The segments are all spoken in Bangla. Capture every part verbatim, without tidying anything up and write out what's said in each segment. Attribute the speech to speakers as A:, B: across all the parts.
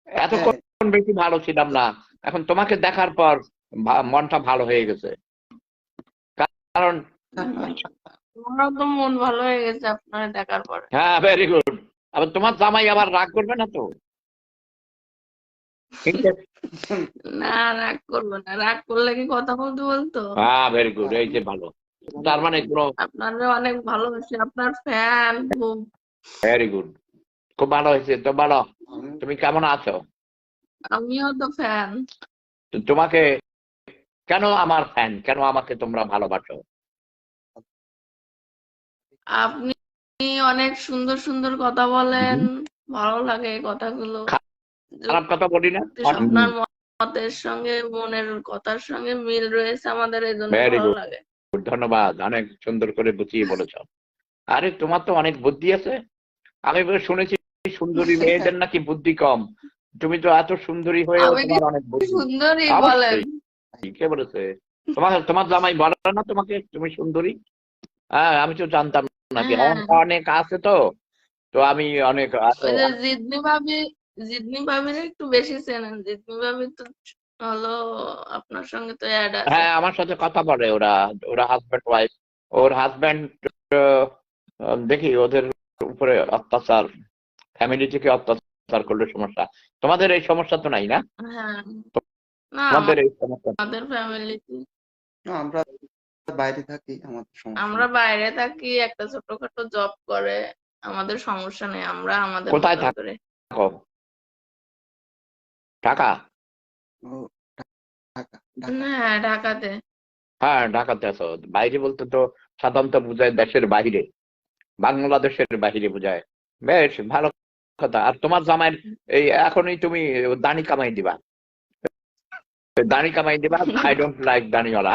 A: এতক্ষণ বেশি ভালো ছিলাম না, এখন তোমাকে দেখার পর মনটা ভালো হয়ে গেছে। কারণ
B: আমারও তো মন ভালো হয়ে গেছে আপনার দেখার পরে।
A: হ্যাঁ, ভেরি গুড। আবার তোমার জামাই আবার রাগ করবে না তো?
B: না, রাগ করবো না। রাগ করলে কি কথা বলতে বলতো?
A: হ্যাঁ, ভেরি গুড। এই যে ভালো, তার মানে কোনো
B: আপনারা অনেক ভালোবাসি, আপনার ফ্যান খুব।
A: ভেরি গুড, খুব ভালো হয়েছে তো। বলো তুমি কেমন আছো?
B: আমিও তো ফ্যান।
A: তোমাকে কেন আমার ফ্যান, কেন আমাকে তোমরা ভালোবাসো?
B: আপনি অনেক সুন্দর সুন্দর কথা বলেন, ভালো লাগে এই কথাগুলো।
A: খারাপ কথা বলি না।
B: আপনার মতের সঙ্গে মনের কথার সঙ্গে মিল রয়েছে আমাদের, এই জন্য
A: ভেরি
B: ভালো
A: গুড,
B: লাগে।
A: ধন্যবাদ, অনেক সুন্দর করে বুঝিয়ে বলেছ। আরে তোমার তো অনেক বুদ্ধি আছে। আমি শুনেছি সুন্দরী মেয়েদের নাকি বুদ্ধি কম, তুমি তো এত সুন্দরী হয়েও তোমার অনেক বুদ্ধি।
B: সুন্দরী বলেন?
A: অবশ্যই, কে বলেছে? তোমার তোমার জামাই বলে না তোমাকে তুমি সুন্দরী? হ্যাঁ, আমি তো জানতাম না। অনেক আছে তো, তো আমি অনেক
B: জিদনি ভাবি, জিদনি ভাবির একটু বেশি চেনেন। জিদনি ভাবি তো হলো আপনার সঙ্গে তো অ্যাড আছে।
A: হ্যাঁ, আমার সাথে কথা বলে ওরা, ওরা হাজব্যান্ড ওয়াইফ। ওর হাজব্যান্ড দেখি ওদের উপরে অত্যাচার, ফ্যামিলি থেকে অত্যাচার করলে সমস্যা। তোমাদের এই সমস্যা তো নাই না?
B: হ্যাঁ, না
A: তোমাদের এই সমস্যা?
B: আমাদের ফ্যামিলিতে
C: আমরা বাইরে থাকি, আমাদের সমস্যা
B: আমরা বাইরে থাকি, একটা ছোটখাটো জব করে, আমাদের সমস্যা নেই। আমরা আমাদের
A: কোথায়
B: মতো করে।
A: থাকো? ঢাকা?
B: না, ঢাকাতে।
A: হ্যাঁ, ঢাকাতে আছো। বাইরে বলতে তো সাধারণত বুঝায় দেশের বাইরে, বাংলাদেশের বাইরে বুঝায়। বেশ ভালো কথা। আর তোমার জামাইয়ের এই এখনই তুমি দাড়ি কামাই দিবা, দাড়ি কামাই দিবা। আই ডোন্ট লাইক দাড়িওয়ালা।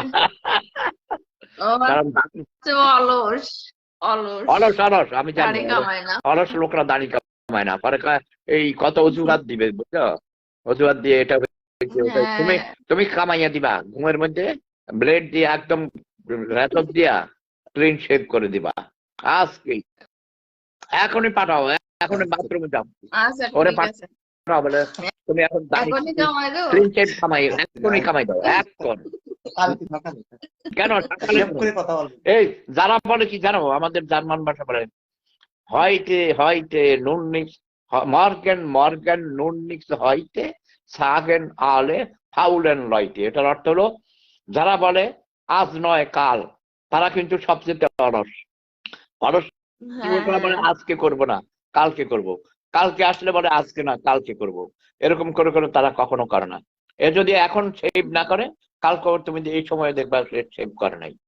A: কারণ
B: অলস অলস
A: অলস অলস আমি জানি,
B: দাড়ি কামায় না।
A: অলস লোকরা দাড়ি কামায় না, পরে এই কত অজুহাত দিবে বুঝছো, অজুহাত দিয়ে এটা তুমি তুমি কামাইয়া দিবা, ঘুমের মধ্যে ব্লেড দিয়ে একদম রেতক দিয়া ক্লিন শেভ করে দিবা আজকে। এখনই পাঠাও, এখনই বাথরুমে যাও, ওরে পাঠাও বলে তুমি এখন ক্লিন শেভ কামাই, এখনই কামাই দাও এখন। কেন এই যারা বলে কি জানো, আমাদের জার্মান ভাষা বলে হয়তে হয়তে নুন নিক্স মর্গেন মর্গেন নুন নিক্স হয়তে সাগেন আলে ফাউলেন লয়তে। এটার অর্থ হলো যারা বলে আজ নয় কাল, তারা কিন্তু সবচেয়ে অলস। অলস বলে আজকে করব না, কালকে করব, কালকে আসলে বলে আজকে না কালকে করব, এরকম করে করে তারা কখনো করে না। এ যদি এখন সেভ না করে, কালকে তুমি এই সময় দেখবা সেভ করে নাই।